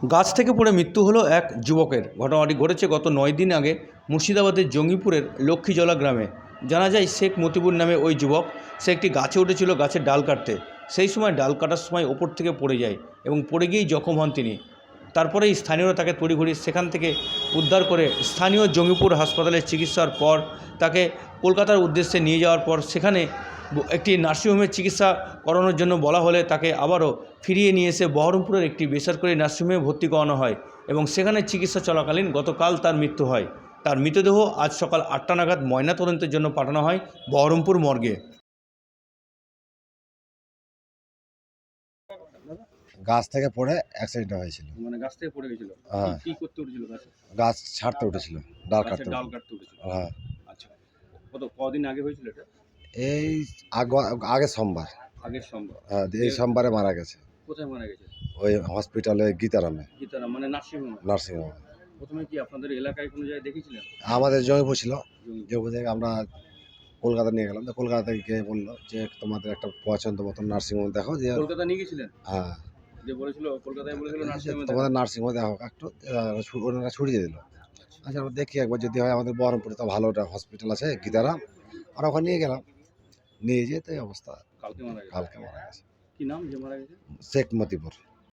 গাছ থেকে পড়ে মৃত্যু হলো এক যুবকের। ঘটনাটি ঘটেছে গত 9 দিন আগে মুর্শিদাবাদের জঙ্গিপুরের লক্ষ্মীজলা গ্রামে। জানা যায় শেখ মতিবুর নামে ওই যুবক, সে একটি গাছে উঠেছিল গাছের ডাল কাটতে। সেই সময় ডাল কাটার সময় ওপর থেকে পড়ে যায় এবং পড়ে গিয়েই জখম হন তিনি। তারপরেই স্থানীয়রা তাকে তড়িঘড়ি সেখান থেকে উদ্ধার করে স্থানীয় জঙ্গিপুর হাসপাতালে চিকিৎসার পর তাকে কলকাতার উদ্দেশ্যে নিয়ে যাওয়ার পর সেখানে একটি নার্সিংহোমে চিকিৎসা করানোর জন্য বলা হলে তাকে আবারও ফিরিয়ে নিয়ে এসে বহরমপুরের একটি বেসরকারি নার্সিংহোমে ভর্তি করানো হয় এবং সেখানে চিকিৎসা চলাকালীন গতকাল তার মৃত্যু হয়। তার মৃতদেহ আজ সকাল 8টা নাগাদ ময়নাতদন্তের জন্য পাঠানো হয় বহরমপুর মর্গে। গাছ থেকে পড়ে অ্যাক্সিডেন্ট হয়েছিল। মানে গাছ থেকে পড়ে গেছিল? হ্যাঁ, কি করতে উঠেছিল গাছে? গাছ ছাড়তে উঠেছিল, ডাল কাটতে ডাল উঠেছিল। কাটতে উঠেছিল। হ্যাঁ, আচ্ছা, কদিন আগে হয়েছিল এটা? এই আগের সোমবার। আগের সোমবার? এই সোমবারে মারা গেছে কোথায় মারা গেছে? ওই হসপিটালে গীতারামে, গীতারাম মানে নার্সিংহোমে? নার্সিংহোমে। প্রথমে কি আপনাদের এলাকায় কোনো জায়গায় দেখেছিলেন? আমাদের জমিপুর ছিল, জমি- জমিপুর থেকে আমরা কলকাতা নিয়ে গেলাম। তো কলকাতা থেকে গিয়ে বললো যে তোমাদের একটা পছন্দ মতন নার্সিংহোম দেখো। যে কলকাতা নিয়ে গেছিলেন? হ্যাঁ, যে বলেছিল কলকাতায় বলেছিল যে নার্সিংহোমে তোমাদের নার্সিংহোমে দেখো একটু। ওনারা ছুটিয়ে দিল। আচ্ছা, আমরা দেখি একবার যদি হয়। আমাদের বহরমপুরে তো ভালো একটা হসপিটাল আছে গীতারাম, আমরা ওখানে নিয়ে গেলাম। নিয়ে যেতে অবস্থা কালকে মারা গেছে? কালকে মারা গেছে। কি নাম যে মারা গেছে? শেখ মতিপুর।